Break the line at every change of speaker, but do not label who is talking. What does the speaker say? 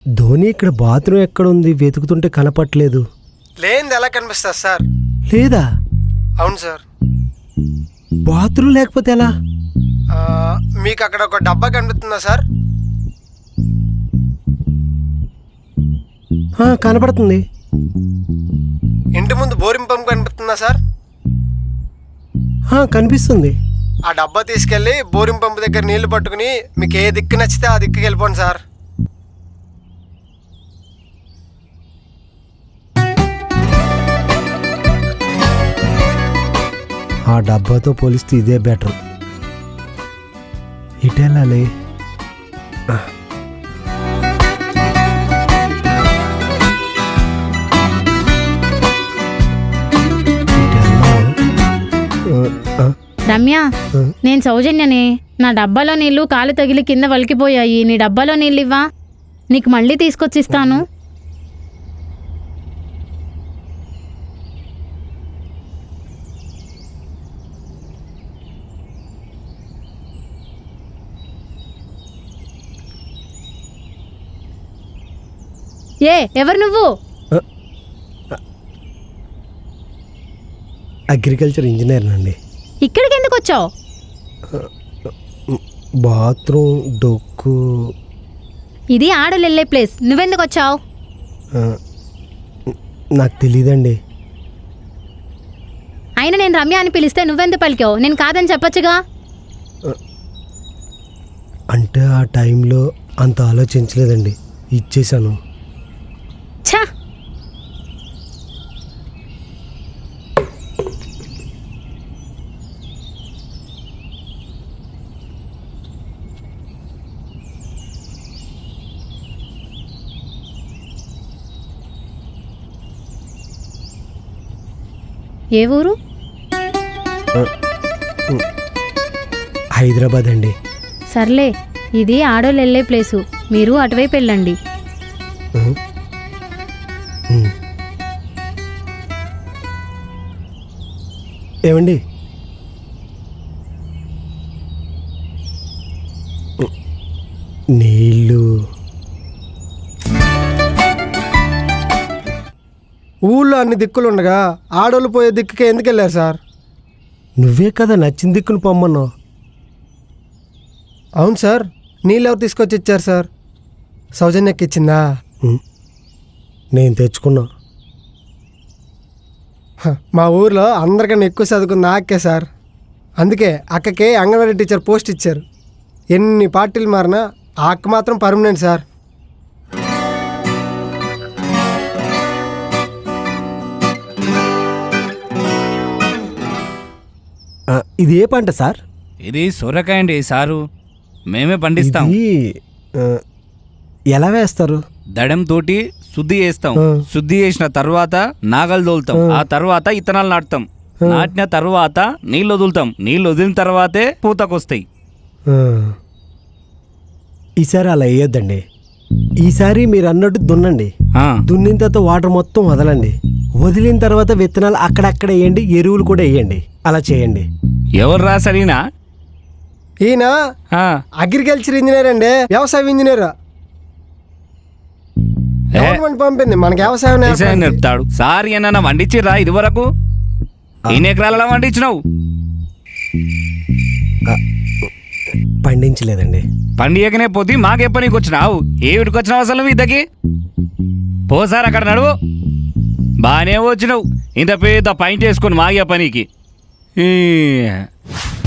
ధోని ఇక్కడ బాత్రూమ్ ఎక్కడ ఉంది వెతుకుతుంటే కనపట్లేదు.
లేనిది ఎలా కనిపిస్తుంది సార్?
లేదా?
అవును సార్.
బాత్రూమ్ లేకపోతే ఎలా?
మీకు అక్కడ ఒక డబ్బా కనిపిస్తుందా సార్?
కనపడుతుంది.
ఇంటి ముందు బోరింగ్ పంప్ కనిపిస్తుందా సార్?
కనిపిస్తుంది.
ఆ డబ్బా తీసుకెళ్ళి బోరింగ్ పంప్ దగ్గర నీళ్లు పట్టుకుని మీకు ఏ దిక్కు నచ్చితే ఆ దిక్కుకి వెళ్ళిపోండి సార్.
ఆ డబ్బాతో పోలిస్తే ఇదే బెటర్. ఇటు వెళ్ళాలి.
రమ్య, నేను సౌజన్యనే. నా డబ్బాలో నీళ్లు కాలు తగిలి కింద వలికిపోయాయి. నీ డబ్బాలో నీళ్ళు ఇవ్వా, నీకు మళ్ళీ తీసుకొచ్చిస్తాను. ఎవరు నువ్వు?
అగ్రికల్చర్ ఇంజనీర్ అండి.
ఇక్కడికి ఎందుకు వచ్చావు?
బాత్రూమ్ డొక్కు.
ఇది ఆడలు వెళ్ళే ప్లేస్, నువ్వెందుకు వచ్చావు?
నాకు తెలీదండి.
అయినా నేను రమ్య అని పిలిస్తే నువ్వెందుకు పలికావు? నేను కాదని చెప్పొచ్చుగా.
అంటే ఆ టైంలో అంత ఆలోచించలేదండి, ఇచ్చేసాను.
ఛా, ఏ ఊరు?
హైదరాబాద్ అండి.
సర్లే, ఇది ఆడోళ్ళు వెళ్ళే ప్లేసు, మీరు అటువైపు వెళ్ళండి.
ఏమండి, నీళ్ళు.
ఊళ్ళో అన్ని దిక్కులు ఉండగా ఆడోళ్ళు పోయే దిక్కుకే ఎందుకు వెళ్ళారు సార్?
నువ్వే కదా నచ్చిన దిక్కును పొమ్మన్నావు.
అవును సార్. నీళ్ళు ఎవరు తీసుకొచ్చి ఇచ్చారు సార్? సౌజన్యకి ఇచ్చిందా?
నేను తెచ్చుకున్నా.
మా ఊర్లో అందరికన్నా ఎక్కువ చదువుకుంది అక్కే సార్. అందుకే అక్కకే అంగన్వాడీ టీచర్ పోస్ట్ ఇచ్చారు. ఎన్ని పార్టీలు మారినా ఆ అక్క మాత్రం పర్మనెంట్ సార్.
ఇది ఏ పంట సార్?
ఇది సొరకాయ అండి సారు, మేమే పండిస్తాం.
ఎలా వేస్తారు?
దడం తోటి శుద్ధి చేస్తాం. శుద్ధి చేసిన తర్వాత నాగలు తోలుతాం. ఆ తర్వాత ఇత్తనాలు నాటుతాం. నాటిన తర్వాత నీళ్ళు వదులుతాం. నీళ్ళు వదిలిన తర్వాతే పూతకొస్తాయి.
ఈసారి అలా వేయొద్దండి. ఈసారి మీరు అన్నట్టు దున్నండి. దున్నిన తర్వాత వాటర్ మొత్తం వదలండి. వదిలిన తర్వాత విత్తనాలు అక్కడక్కడ వేయండి, ఎరువులు కూడా వేయండి. అలా చేయండి.
ఎవరు రాసరినా?
ఈయన అగ్రికల్చర్ ఇంజనీర్ అండి, వ్యవసాయ ఇంజనీర్. గవర్నమెంట్ పంపింది మనకి వ్యవసాయం
నేర్పుతాడు. సార్ ఏమన్నా వండించిర్రా ఇది వరకు? ఎన్ని ఎకరాల వండించినావు?
పండించలేదండి.
పండియకనే పోతే మాకే పనికి వచ్చినావు. ఏమిటికి వచ్చినావు అసలు మీ ఇద్దకి? పోసారు అక్కడ నడువు. బాగానే వచ్చినావు ఇంత పెద్ద పాయింట్ వేసుకొని మాగే పనికి.